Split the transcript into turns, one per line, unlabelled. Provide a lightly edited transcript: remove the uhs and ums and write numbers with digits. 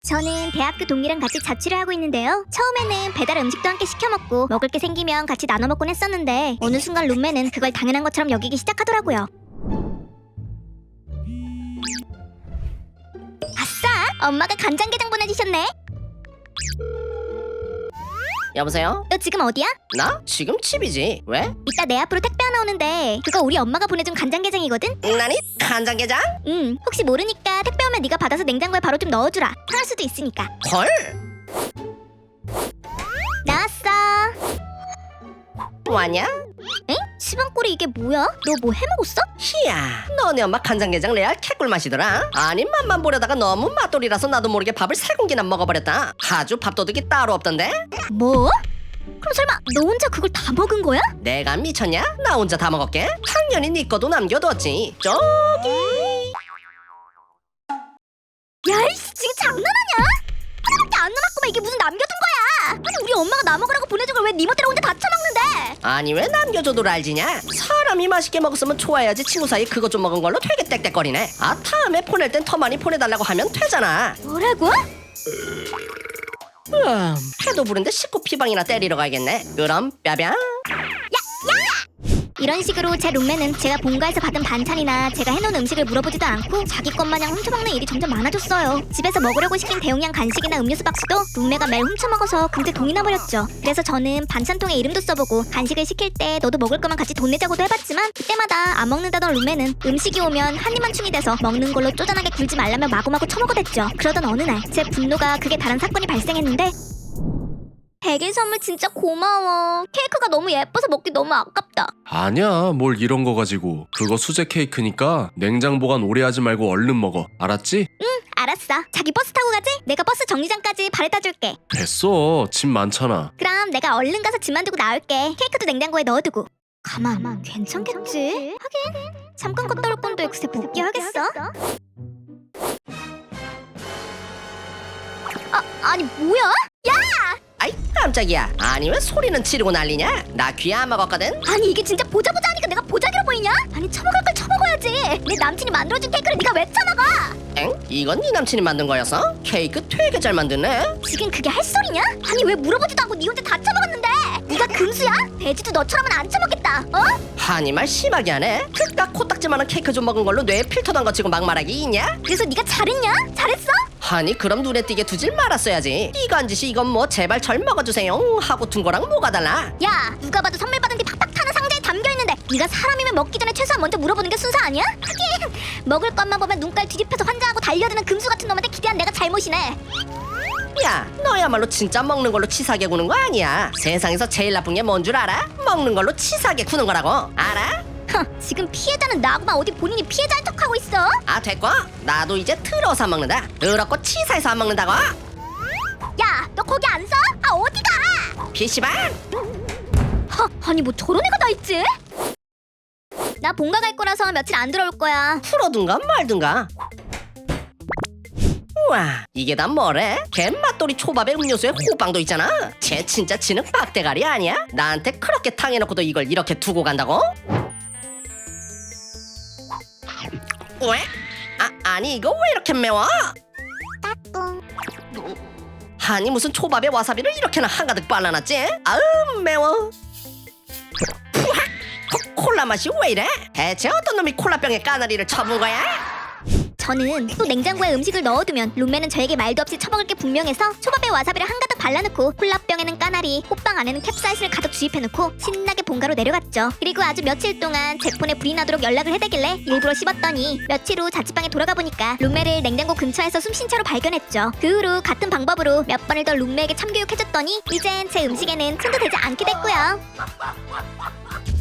저는 대학교 동기랑 같이 자취를 하고 있는데요. 처음에는 배달 음식도 함께 시켜 먹고 먹을 게 생기면 같이 나눠 먹곤 했었는데 어느 순간 룸메는 그걸 당연한 것처럼 여기기 시작하더라고요. 아싸! 엄마가 간장게장 보내주셨네.
여보세요?
너 지금 어디야?
나? 지금 집이지. 왜?
이따 내 앞으로 택배 하나 오는데 그거 우리 엄마가 보내준 간장게장이거든?
나니? 간장게장?
혹시 모르니까 택배 오면 네가 받아서 냉장고에 바로 좀 넣어주라. 상할 수도 있으니까.
헐?
나왔어.
왔냐?
엥? 시방꼴이 이게 뭐야? 너 뭐 해먹었어?
희야, 너네 엄마 간장게장 레알 개꿀 맛이더라. 아니 맛만 보려다가 너무 맛돌이라서 나도 모르게 밥을 3공기나 먹어버렸다. 아주 밥도둑이 따로 없던데?
뭐? 그럼 설마 너 혼자 그걸 다 먹은 거야?
내가 미쳤냐? 나 혼자 다 먹었게? 당연히 네 거도 남겨뒀지. 저기.
야이씨 지금 장난하냐? 하나밖에 안 남았구만. 이게 무슨 남겨둔 거야? 아니 우리 엄마가 나 먹으라고 보내준 걸 왜 네 멋대로 혼자 다 처먹는데?
아니 왜 남겨줘도 알지냐? 사람이 맛있게 먹었으면 좋아야지. 친구 사이 그거 좀 먹은 걸로 되게 땡땡거리네. 아 다음에 보낼 땐 더 많이 보내달라고 하면 되잖아.
뭐라고?
해도 부른데 식구 피방이나 때리러 가야겠네. 그럼 뼈병.
이런 식으로 제 룸메는 제가 본가에서 받은 반찬이나 제가 해놓은 음식을 물어보지도 않고 자기 것마냥 훔쳐먹는 일이 점점 많아졌어요. 집에서 먹으려고 시킨 대용량 간식이나 음료수 박스도 룸메가 매일 훔쳐먹어서 금세 돈이 나버렸죠. 그래서 저는 반찬통에 이름도 써보고 간식을 시킬 때 너도 먹을 거면 같이 돈 내자고도 해봤지만 그때마다 안 먹는다던 룸메는 음식이 오면 한 입만 충이 돼서 먹는 걸로 쪼잔하게 굴지 말라며 마구마구 처먹어댔죠. 그러던 어느 날 제 분노가 극에 달한 사건이 발생했는데 100일 선물 진짜 고마워. 케이크가 너무 예뻐서 먹기 너무 아깝다.
아니야, 뭘 이런 거 가지고. 그거 수제 케이크니까 냉장 보관 오래 하지 말고 얼른 먹어. 알았지?
알았어. 자기 버스 타고 가지? 내가 버스 정류장까지 바래다 줄게.
됐어, 짐 많잖아.
그럼 내가 얼른 가서 짐만 두고 나올게. 케이크도 냉장고에 넣어두고. 가만, 괜찮겠지? 하긴 잠깐 갔다 올 건데 글쎄 복귀하겠어? 아니 뭐야?
아이 깜짝이야. 아니 왜 소리는 지르고 난리냐? 나 귀 안 먹었거든.
아니 이게 진짜 보자 하니까 내가 보자기로 보이냐? 아니 처먹을 걸 처먹어야지. 내 남친이 만들어준 케이크를 네가 왜 처먹어?
엥? 이건 네 남친이 만든 거였어? 케이크 되게 잘 만드네.
지금 그게 할 소리냐? 아니 왜 물어보지도 않고 네 혼자 다 처먹었는데? 네가 금수야? 돼지도 너처럼은 안 처먹겠다. 어?
아니 말 심하게 하네. 그깟 코딱지만한 케이크 좀 먹은 걸로 뇌에 필터 난 거 치고 막말하기 있냐?
그래서 네가 잘했냐? 잘했어?
아니 그럼 눈에 띄게 두질 말았어야지. 이간 짓이 이건 뭐 제발 절 먹어주세요 하고 둔 거랑 뭐가 달라?
야 누가 봐도 선물 받은 뒤 팍팍 타는 상자에 담겨있는데 네가 사람이면 먹기 전에 최소한 먼저 물어보는 게 순서 아니야? 하긴 먹을 것만 보면 눈깔 뒤집혀서 환장하고 달려드는 금수 같은 놈한테 기대한 내가 잘못이네.
야 너야말로 진짜 먹는 걸로 치사하게 구는 거 아니야. 세상에서 제일 나쁜 게 뭔 줄 알아? 먹는 걸로 치사하게 구는 거라고. 알아?
지금 피해자는 나구만 어디 본인이 피해자인 척하고 있어?
아 됐고 나도 이제 틀어서 안 먹는다. 더럽고 치사해서 안 먹는다고.
야 너 거기 안 서? 아 어디가?
PC방?
아니 뭐 저런 애가 다 있지? 나 본가 갈 거라서 며칠 안 들어올 거야.
풀어둔가 말든가. 우와 이게 다 뭐래? 갯맛돌이 초밥에 음료수에 호빵도 있잖아. 쟤 진짜 지능 빡대가리 아니야? 나한테 그렇게 탕해놓고도 이걸 이렇게 두고 간다고? 왜? 아니 이거 왜 이렇게 매워? 아니 무슨 초밥에 와사비를 이렇게나 한가득 발라놨지? 아우 매워. 푸악! 콜라 맛이 왜 이래? 대체 어떤 놈이 콜라병에 까나리를 쳐본 거야?
저는 또 냉장고에 음식을 넣어두면 룸메는 저에게 말도 없이 처먹을 게 분명해서 초밥에 와사비를 한가득 발라놓고 콜라병에는 까나리, 호빵 안에는 캡사이신을 가득 주입해놓고 신나게 본가로 내려갔죠. 그리고 아주 며칠 동안 제 폰에 불이 나도록 연락을 해대길래 일부러 씹었더니 며칠 후 자취방에 돌아가 보니까 룸메를 냉장고 근처에서 숨쉰 채로 발견했죠. 그 후로 같은 방법으로 몇 번을 더 룸메에게 참교육해줬더니 이젠 제 음식에는 손도 대지 않게 됐고요.